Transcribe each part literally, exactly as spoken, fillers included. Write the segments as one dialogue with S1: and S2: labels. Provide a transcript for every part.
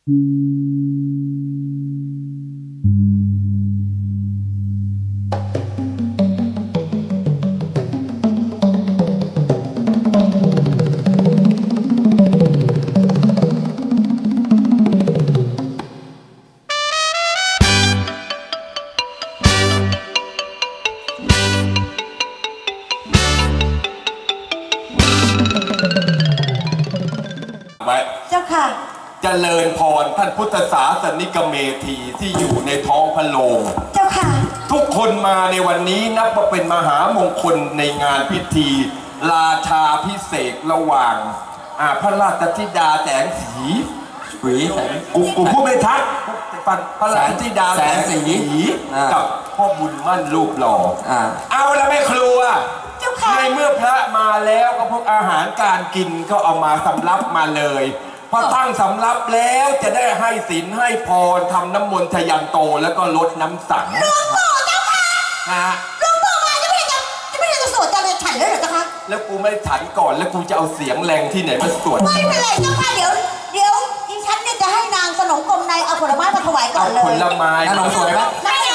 S1: เจ้าค่ะ
S2: เจริญพรท่านพุทธศาสนิกเมธีที่อยู่ในท้องพระโรง
S1: เจ้าค่ะ
S2: ทุกคนมาในวันนี้นับว่าเป็นมหามงคลในงานพิธีราชาพิเศษระหว่างพระราชธิดาแสงสีหวีกูกูพูดไม่ทักพระราชธิดาแสงสีกับพ่อบุญมั่นรูปหล่อเอาแล้วไม่ครัวในเมื่อพระมาแล้วก็พวกอาหารการกินก็เอามาสำรับมาเลยพอตั้งสำรับแล้วจะได้ให้ศีลให้พรทำน้ำมนต์ทยันโตแล้วก็ลดน้ำสัง
S1: หลวงพ่อเจ้าค่ะ
S2: นะ
S1: หลวงพ่อมาจะไม่ได้จะไม่ได้จะสวดจะเลยฉันเลยเหรอเจ้าค่ะ
S2: แล้วกูไม่ฉันก่อนแล้วกูจะเอาเสียงแรงที่ไหนมาสวด
S1: ไม่เป็นไรเจ้าค่ะเดี๋ยวเดี๋ยวดิฉันเนี่ยจะให้นางสนมกรมในเอาผลไม้มาถวายก่อนเลย
S2: ผลไม้
S3: น่าลงสวยไหม
S1: ไม่ได้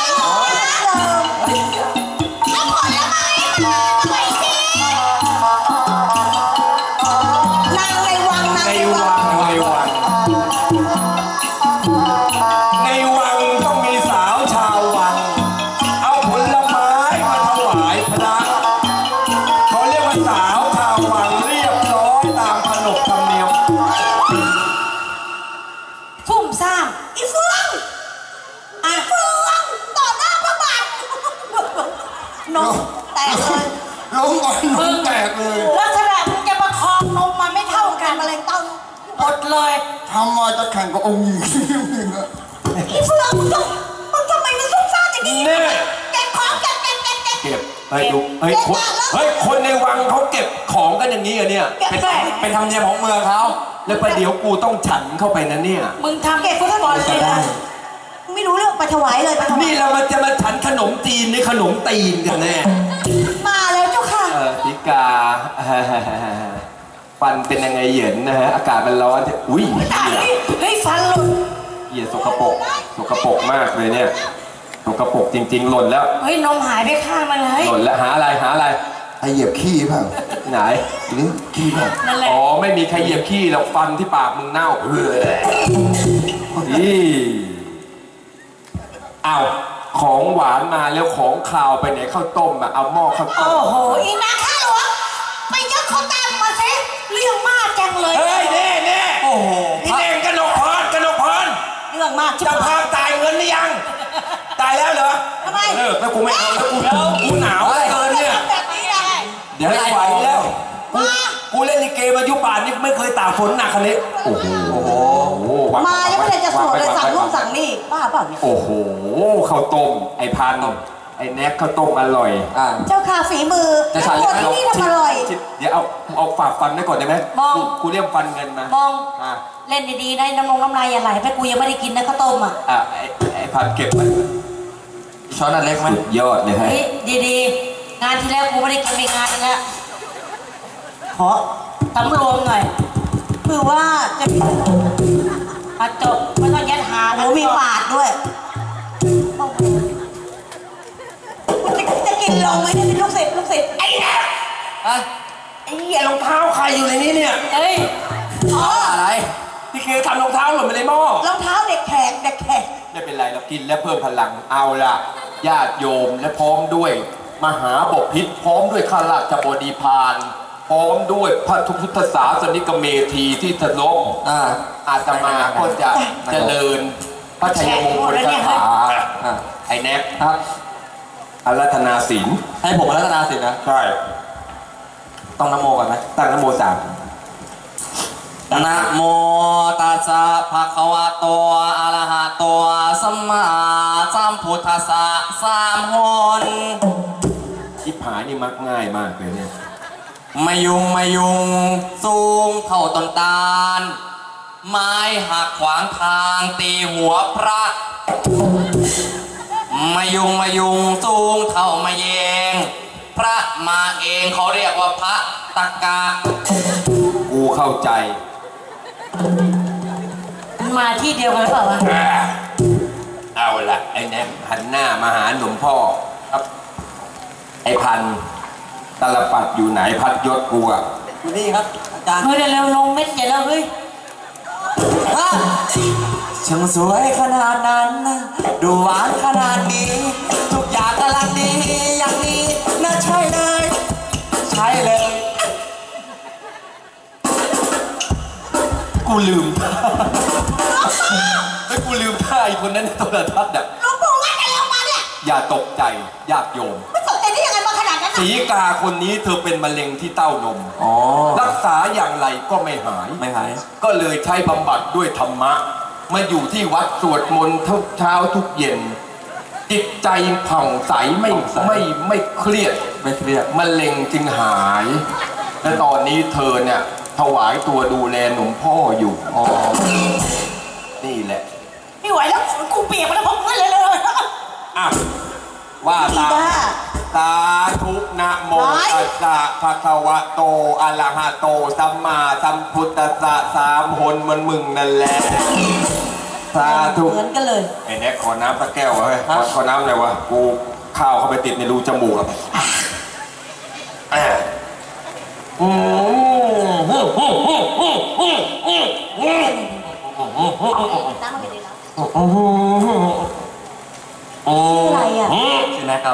S1: เอาผลไม้มาหน่อยสินางในวังนางในวัง
S2: ในวังในวังต้องมีสาวชาววังเอาผลไม้มาถวายพระเขาเรียกว่าสาวชาววังเรียบร้อยตามขนบธรรมเนียม
S1: ฟุ่มซ่ามอีเฟืองอีเฟืองต่อหน้าพระบาทนมแตกเลย
S3: ลงก่อนนมแตกเลย
S1: ลักษณะมึงจะประคองนมมันไม่เท่ากันมะเร็งเต้านมหมดเลย
S3: ทำมาจะแข่งกับองค์หญิง
S1: อีเฟืองมึงต้องมึงทำไมมึงซุ่มซ่ามอย่างนี้เก็บของเก็บเก็บเก็บเก็บ
S2: เก็บเฮ้ยดูเฮ้ยคนเฮ้ยคนในวังเขาเก็บของกันอย่างนี้เหรอเนี่ย
S3: เป็นเป็นธรรมเนียมของเมืองเขา
S2: แล้วประเดี๋ยวกูต้องฉันเข้าไปนะเนี่ย
S1: มึงทำเก็บฟุตบอลเลยนะไม่รู้เรื่องไปถวายเลย
S2: นี่เรามันจะมาฉันขนมจีนในขนมตีนกันแน่
S1: มาแล้วเจ้าค่ะ
S2: เออพิกาฟันเป็นยังไงเหยินนะฮะอากาศมันร้อนอุ้ย
S1: เฮ้ยฟันหล่น
S2: เหยียดสกปรกสกปรกมากเลยเนี่ยสกปรกจริงๆหล่นแล้ว
S1: เฮ้ยนมหายไปข้างมาเลย
S2: หล่นแล้วหาอะไรหาอะไร
S3: ไอเหยียบขี้เปล่า
S2: ไหน
S3: นี่ขี้เปล่า
S2: อ๋อไม่มีใครเหยียบขี้หรอกฟันที่ปากมึงเน่าเฮ้ยนี่เอาของหวานมาแล้วของคาวไปไหนข้าวต้มอะเอาหม้อข้าวต้ม
S1: โอ้โหอีนาข้าหลวงไปยกเขาตามมาสิเรื่องมากจังเลย
S2: เฮ้ยเน่เน่
S3: โอ้โห
S2: พี่เน่งกนกพรกนกพร
S1: เรื่องมาก
S2: จะพาตายเงินหรือยังตายแล้วเหรอ
S1: ทำไม
S2: เลิกแล้วกูไม่เอาแล้วกูกูหนาวเกินเนี่ยเดี๋ยวไม่ไหวแล้วกูเล่นลิเกมายุป่านนี่ไม่เคยตากฝนหนักขนาดนี้โอ้โห
S1: มายังไม่ได้จะสวดเลยสั่งนู่นสั่งนี่บ้าเปล่าเนี่ย
S2: โอ้โหข้าวต้มไอ้พันไอ้แน็กข้าวต้มอร่อย
S1: เจ้าค่ะฝีมือ
S2: จะฉัน
S1: ที่นี่ทำอร่อย
S2: เดี๋ยวเอาเอาฝากฟันไว้ก่อนได้ไหม
S1: มอง
S2: กูเรียกฟันเงินมา
S1: มองเล่นดีๆได้น้ำลงน้ำลายอย่าไหลไปกูยังไม่ได้กินนะข้าวต้มอ่ะ
S2: อ่ะไอ้พันเก็บมัน
S3: ช้อนอันเล็กไหม
S2: ยอดเลยฮะ
S1: ดีๆงานที่แล้วกูไม่ได้กินไปงานนึงแล้วขอสำรวมหน่อยคือว่าจะอาจบไม่ต้องยัดหาหนูมีปาดด้วยจะกินลงไหมเนี่ยลูกศิษย์ลูกศิษย์ไอ้เนี่ย
S2: ไอ้เหี้ยรองเท้าใครอยู่ในนี้เนี่ย
S1: เอ้ยอ๋อ
S2: อะไรพี่เคทำรองเท้าหล่นไปในหม้อ
S1: รองเท้าเด็กแขกเด็กแขก
S2: ไม่เป็นไรเรากินแล้วเพิ่มพลังเอาล่ะญาติโยมและพร้อมด้วยมหาบพิตรพร้อมด้วยข้าราชบดีพานพร้อมด้วยพระพุทธศาสนิกเมธีที่ถล่มอาตมาก็จะเจริญพระชัยมงคลคาถาไอ้แน็กครับอารัธนาศีล
S3: ให้ผมอารัธนาศีลนะ
S2: ใช่
S3: ต้องนโมก่อนไหม
S2: ตั้งนโมสาม
S3: นะโมตัสสะภะคะวะโตอะระหะโตสัมมาสัมพุทธัสสะสามหน
S2: ที่ผายนี่มักง่ายมากเลยเนี่ย
S3: มายุงมายุงสูงเท่าต้นตาลไม้หักขวางทางตีหัวพระมายุงมายุงสูงเท่ามาเยงพระมาเองเขาเรียกว่าพระตะกะ
S2: กูเข้าใจ
S1: มาที่เดียวกันหรือเปล่าวะ
S2: เอาละไอ้แน็กหันหน้ามาหาหนุ่มพ่อครับไอ้พันตลปัดอยู่ไหนพัดยศกูอะ
S3: อยู่นี่ครับอาจารย์
S1: เฮ้ยเร็วๆลงเม็ดใหญ่แล้วเฮ้ย
S3: ช่างสวยขนาดนั้น ดูหวานขนาดนี้ ทุกอย่างกำลังดีอย่างนี้น่าใช่เลย ใช่เลย
S2: กูลืมไอ้กูลืมท่าไอ้คนนั้นในโทรทัศน์อะ
S4: หลวงปู่ว่าอะไรออกมาเนี่ย
S2: อย่าตกใจญาติโยม
S4: ไม่สนใจได้ยังไงมาขนาดนั้น
S2: สีกาคนนี้เธอเป็นมะเร็งที่เต้านม
S3: อ๋อ
S2: รักษาอย่างไรก็ไม่หาย
S3: ไม่หาย
S2: ก็เลยใช้บำบัดด้วยธรรมะ มาอยู่ที่วัดสวดมนต์ทุกเช้าทุกเย็น จิตใจผ่องใสไม่ไม่ไม่เครียด
S3: ไม่เครียด
S2: มะเร็งจึงหาย และตอนนี้เธอเนี่ยถวายตัวดูแลหนุ่มพ่ออยู่
S3: อ๋อ
S2: นี่แหละ
S4: ไม่ไหวแล้วกูเปียกมาแล้วพอเลยเลย
S2: อ่ะว่าตาม
S4: บ้า
S2: สาธุนะโมตัสสะภะคะวะโตอะระหะโตสัมมาสัมพุทธัสสะสามหนเหมันมึงนั่นแหละสาธุ
S4: เหมือนกันเลย
S2: ไอ้แน็กขอน้ำสักแก้ววะเฮ้ยขอขอน้ำอะไรวะกูข้าวเข้าไปติดในรูจมูกอ่ะอ่ะอืม
S4: น้ำมันเป็นยังไงอะไรอ่ะ
S3: ใช่ไหมครับ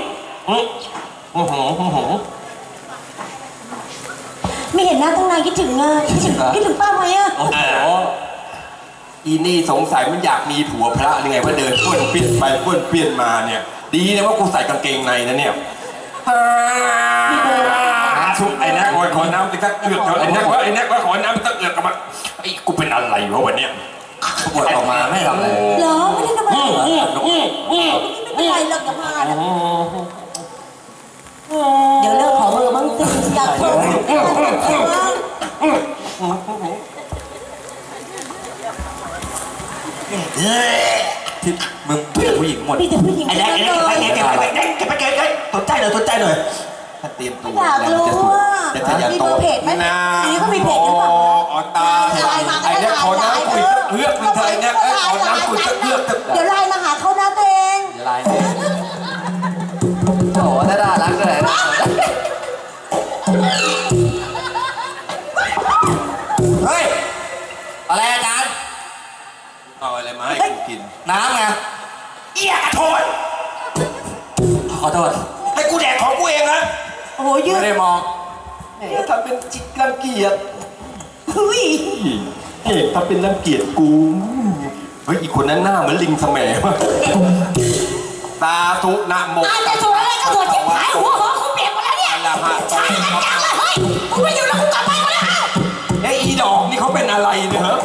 S4: ไม่เห็นหน้าตั้งนานคิดถึงอ่ะคิดถึงคิดถึงป้าไหมอ่ะ
S3: โอ้โห
S2: อีนี่สงสัยมันอยากมีผัวพระหรือไงว่าเดินป้วนเปี้ยนไปป้วนเปี้ยนมาเนี่ย ดีนะว่ากูใส่กางเกงในนะเนี่ยชุบไอ้แน็กว่าขอน้ำไปสักเอือกเถอะไอ้แน็กว่าไอ้แน็กว่าขอน้ำไปสักเอือกกับมันไอ้กูเป็นอะไรวะวันเนี้ย
S3: ปวดออกมาไม่ทำอะไร
S4: เหรอไม่ได้ทำอะไรไม่เป็นไรหรอกอย่ามานะเดี๋ยวเลิกขอเบอร์บ้างสิอยากโทรบ้าง
S3: ที่มึงเป็นผู้หญิงหมด
S4: มีแต่ผู้หญิง
S2: ไอ้แน็กไอ้แน็กไอ้แน็กไอ้แน็กไอ้แน็กเก็บไปเก็บไปสนใจหน่อยสนใจหน่อยถ้าเตรียมตัว
S4: อยากรู้ว่า
S2: จะทะยาน
S4: มี
S2: โต
S4: เบอร์เพจไหม
S2: นะ
S4: นี่เขามีเพจหรือเปล่า
S2: อ๋อตาไอ้แน็กขอน้ำคุยสักเอือกนึงเถอะไอ้แน็กขอน้ำคุยสักเอือกเถอะ
S4: เดี๋ยวไลน์มาหาเขานะตัวเอง
S3: ลายเนี่ยโอ้โหน่ารักเลยนะเฮ้ย อะไรอาจารย์
S2: เอาอะไรมาให้กูกิน
S3: น้ำไง
S2: เอี้ยกระโถน
S3: ขอโทษ
S2: ให้กูแดกของกูเองนะ
S4: โอ้โหยื
S3: ไม่
S4: ด
S3: ได้มอง
S2: เฮ้ยทำเป็นจิตรังเกียจ
S4: อุ้ย
S2: เฮ้ยทำเป็นรังเกียจกูเฮ้ยอีกคนนั้นหน้าเหมือนลิงแสมวะสาธุนะโม
S4: อาจจะสวยอะไรก็สวยที่หายหัวหอกูเปียกหมดแล้วเนี่ย
S2: อะระหะโต
S4: ใช่กันจังเลยเฮ้ยกูไม่อยู่แล้วกูกลับบ้านมาแล้ว
S2: เฮ้ยอีดอกนี่เขาเป็นอะไรเนี่ยเหรอ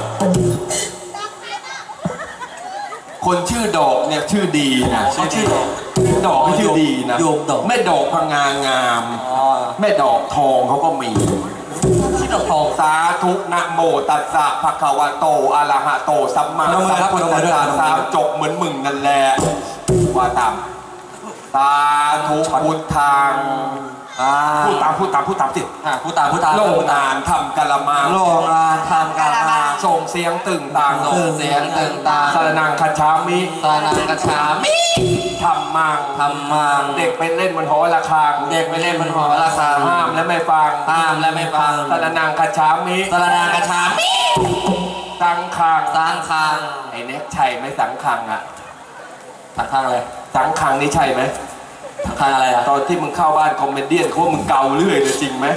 S2: คนชื่อดอกเนี่ยชื่อดีนะ
S3: เขาชื่อดอก
S2: ดอกไม่ชื่อดีนะ
S3: โยมดอก
S2: แม่ดอกพังงางาม
S3: อ๋อ
S2: แม่ดอกทองเขาก็มี
S3: ชื่อดอกทอง
S2: สาธุนะโมตัสสะภะคะวะโตอะระหะโตสัมมา
S3: นโม
S2: สัม
S3: ครับ
S2: พุท
S3: นโม
S2: ธัส
S3: ด้วย
S2: สะ
S3: นโมด้วย
S2: สามจบเหมือนมึงนั่นแหละว่าตามสาธุพุทธัง
S3: อ่า
S2: พูดตามพูดตามพูดตามสิ
S3: อ่าผู้ตามผู้ตาม
S2: โรงงานทำกะละมัง
S3: โรงงานทำการมา
S2: ส่งเสียงตึงต่าง
S3: ส่งเสียงตึงตาง
S2: สรนังคัจฉามิ
S3: ตานังกระชามิ
S2: ทำมัง
S3: ทำมัง
S2: เด็กไปเล่นบนหอระฆัง
S3: เด็กไปเล่นบนหอระฆัง
S2: ห้ามและไม่ฟัง
S3: ห้ามและไม่ฟัง
S2: สรนังคัจฉามิ
S3: ตานังกระชามิ
S2: สังขัง
S3: สร้างคาง
S2: ไอ้เน็กใช่ไหมสังขังอะ
S3: สังคางอะไร
S2: สังขังนี่ใช่ไหม
S3: สังคางอะไรอ่ะ
S2: ตอนที่มึงเข้าบ้านคอมเมเดี้เขาว่ามึงเกาเรื่อยเลยจริงไหม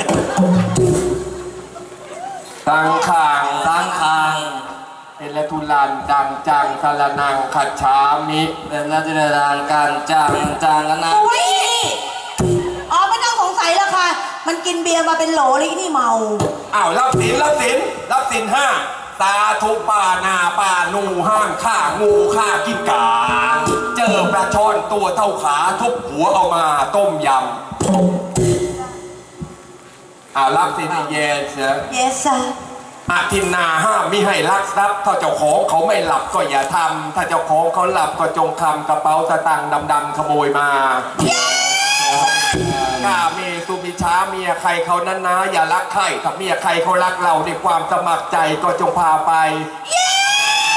S2: สังขัง
S3: สร้างคาง
S2: เป็นละทุลันดังจังสรนังคัจฉามิ
S3: เป็นรัชดานการจางจางกันนะ
S4: อุ้ยอ๋อไม่ต้องสงสัยแล้วค่ะ มันกินเบียร์มาเป็นโหลเลยนี่เมา
S2: อ้าวรับศีลรับศีลรับศีลห้าสาธุปานาปานูห้างฆ่างูฆ่ากิ้งก่าเจอปลาช่อนตัวเท่าขาทุบหัวเอามาต้มยำอ้าวรับศีลเยส
S4: yes sir
S2: อาทินนาห้ามมิให้ลักทรัพย์ถ้าเจ้าของเขาไม่หลับก็อย่าทำถ้าเจ้าของเขาหลับก็จงคำกระเป๋าสตางค์ดำๆขโมยมากล้าเมสุมิช้าเมียใครเขานั้นนะอย่ารักใครถ้าเมียใครเขารักเราด้วยความสมัครใจก็จงพาไป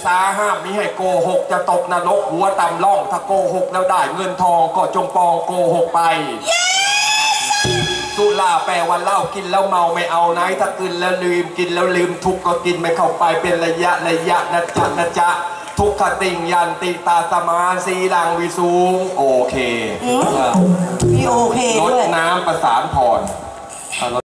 S2: ษาห้ามมิให้โกหกจะตกนรกหัวต่ำล่องถ้าโกหกแล้วได้เงินทองก็จงปองโกหกไปสุราแปลว่าเหล้ากินแล้วเมาไม่เอาไหนถ้ากินแล้วลืมกินแล้วลืมทุกก็กินไม่เข้าไปเป็นระยะระยะนะจ๊ะนะจ๊ะทุกขติงยันติตาสมาสีลังวิสูงโอเค
S4: มีโอเค
S2: ลด
S4: ด้วย
S2: น้ำประสานพร